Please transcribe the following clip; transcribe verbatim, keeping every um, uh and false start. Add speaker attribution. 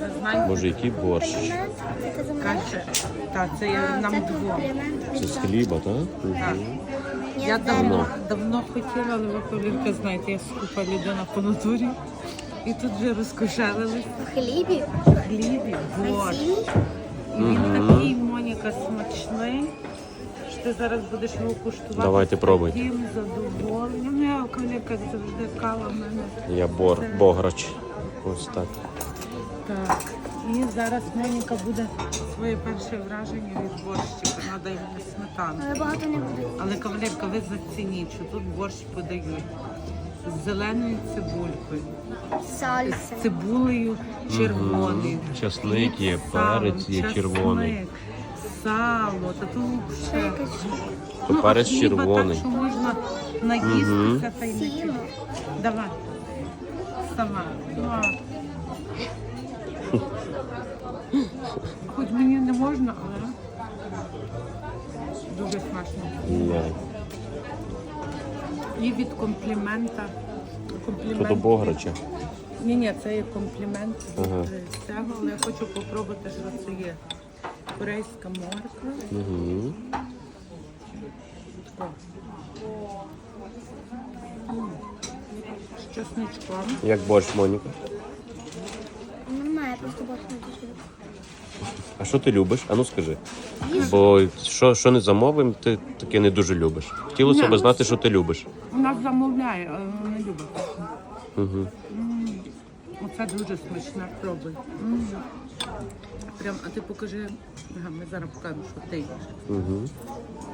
Speaker 1: але знаєте,
Speaker 2: Боже, який борщ.
Speaker 3: Це за мене?
Speaker 1: каже, так, це є
Speaker 3: А,
Speaker 1: нам
Speaker 3: це
Speaker 1: двом.
Speaker 3: комплімент.
Speaker 2: Це з хліба, так?
Speaker 1: Так.
Speaker 3: Я
Speaker 1: Я давно,
Speaker 3: давно.
Speaker 1: давно хотіла, але ви повірте, знаєте, я скупа людина по натурі. І тут вже розкошелились
Speaker 3: В хлібі?
Speaker 1: хлібі, борщ.
Speaker 3: Цілий?
Speaker 1: І він такий, Моніка, смачний, що ти зараз будеш його куштувати.
Speaker 2: Давайте
Speaker 1: з
Speaker 2: пробуйте.
Speaker 1: таким задоволенням. Я коліка завжди кава в мене.
Speaker 2: Я бор, бограч. Ось так.
Speaker 1: Так. І зараз Моніка буде своє перше враження від борщика. Надо йому сметану.
Speaker 3: Але багато не буде.
Speaker 1: Але, кавалерка, ви зацініть, що тут борщ подають з зеленою цибулькою,
Speaker 3: Сальса.
Speaker 1: з цибулею червоною.
Speaker 2: Часник є,
Speaker 1: з салом,
Speaker 2: перець є
Speaker 1: часник,
Speaker 2: червоний.
Speaker 1: Сало, та тут
Speaker 3: Ще
Speaker 1: все.
Speaker 3: якась
Speaker 2: То
Speaker 1: а
Speaker 2: перець
Speaker 1: хліба
Speaker 2: червоний.
Speaker 1: Так, що можна наїстися та й не
Speaker 3: сіло.
Speaker 1: Давай. Сама. Ну, а. Хоч мені не можна, але дуже смачно.
Speaker 2: Ні.
Speaker 1: І від комплімента. Комплімент.
Speaker 2: То до бограча.
Speaker 1: Ні, ні, це є комплімент
Speaker 2: Ага.
Speaker 1: з цього, але я хочу попробувати, що це є. Корейська морква.
Speaker 2: Угу.
Speaker 1: О. М. З чесничком.
Speaker 2: Як борщ, Моніка?
Speaker 3: Немає, просто борщ не дуже.
Speaker 2: А що ти любиш? А ну скажи. Бо що, що не замовимо, ти таке не дуже любиш. Хотілося
Speaker 1: Ні,
Speaker 2: б
Speaker 1: ну,
Speaker 2: знати, що ти любиш.
Speaker 1: Вона замовляє, але вона не любить.
Speaker 2: Угу.
Speaker 1: М. Оце дуже смачне, пробуй. М. Прям, а ти покажи, ага, ми зараз покажемо, що ти їш.
Speaker 2: Угу.